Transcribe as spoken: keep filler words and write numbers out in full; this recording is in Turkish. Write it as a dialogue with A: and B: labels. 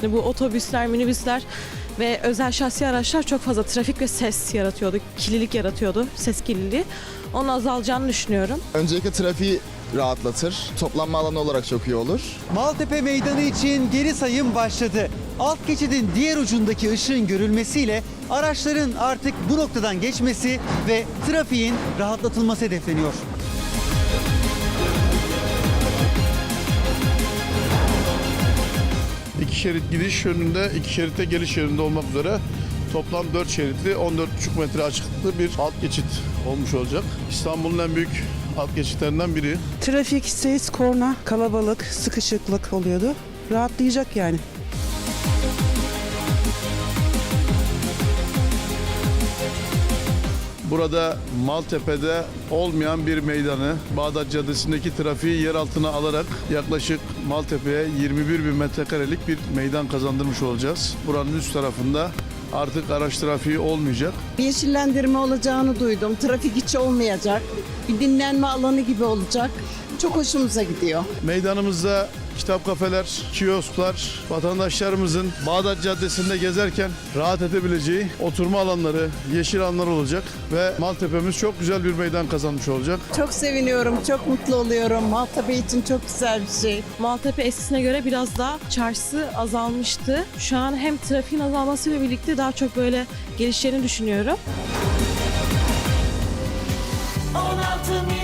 A: Şimdi bu otobüsler, minibüsler ve özel şahsi araçlar çok fazla trafik ve ses yaratıyordu. Kirlilik yaratıyordu, ses kirliliği. Onun azalacağını düşünüyorum.
B: Öncelikle trafiği rahatlatır. Toplanma alanı olarak çok iyi olur.
C: Maltepe Meydanı için geri sayım başladı. Alt geçidin diğer ucundaki ışığın görülmesiyle araçların artık bu noktadan geçmesi ve trafiğin rahatlatılması hedefleniyor.
D: İki şerit gidiş yönünde, iki şeritte geliş yönünde olmak üzere toplam dört şeritli on dört buçuk metre açıklıklı bir alt geçit olmuş olacak. İstanbul'un en büyük alt geçitlerinden biri.
E: Trafik, ses, korna, kalabalık, sıkışıklık oluyordu. Rahatlayacak yani.
D: Burada Maltepe'de olmayan bir meydanı Bağdat Caddesi'ndeki trafiği yer altına alarak yaklaşık Maltepe'ye yirmi bir bin metrekarelik bir meydan kazandırmış olacağız. Buranın üst tarafında artık araç trafiği olmayacak.
F: Bir yeşillendirme olacağını duydum. Trafik hiç olmayacak. Bir dinlenme alanı gibi olacak. Çok hoşumuza gidiyor.
D: Meydanımızda kitap kafeler, kiosklar, vatandaşlarımızın Bağdat Caddesi'nde gezerken rahat edebileceği oturma alanları, yeşil alanlar olacak ve Maltepe'miz çok güzel bir meydan kazanmış olacak.
F: Çok seviniyorum, çok mutlu oluyorum. Maltepe için çok güzel bir şey.
A: Maltepe eskisine göre biraz daha çarşısı azalmıştı. Şu an hem trafiğin azalmasıyla birlikte daha çok böyle gelişlerini düşünüyorum.
G: on altı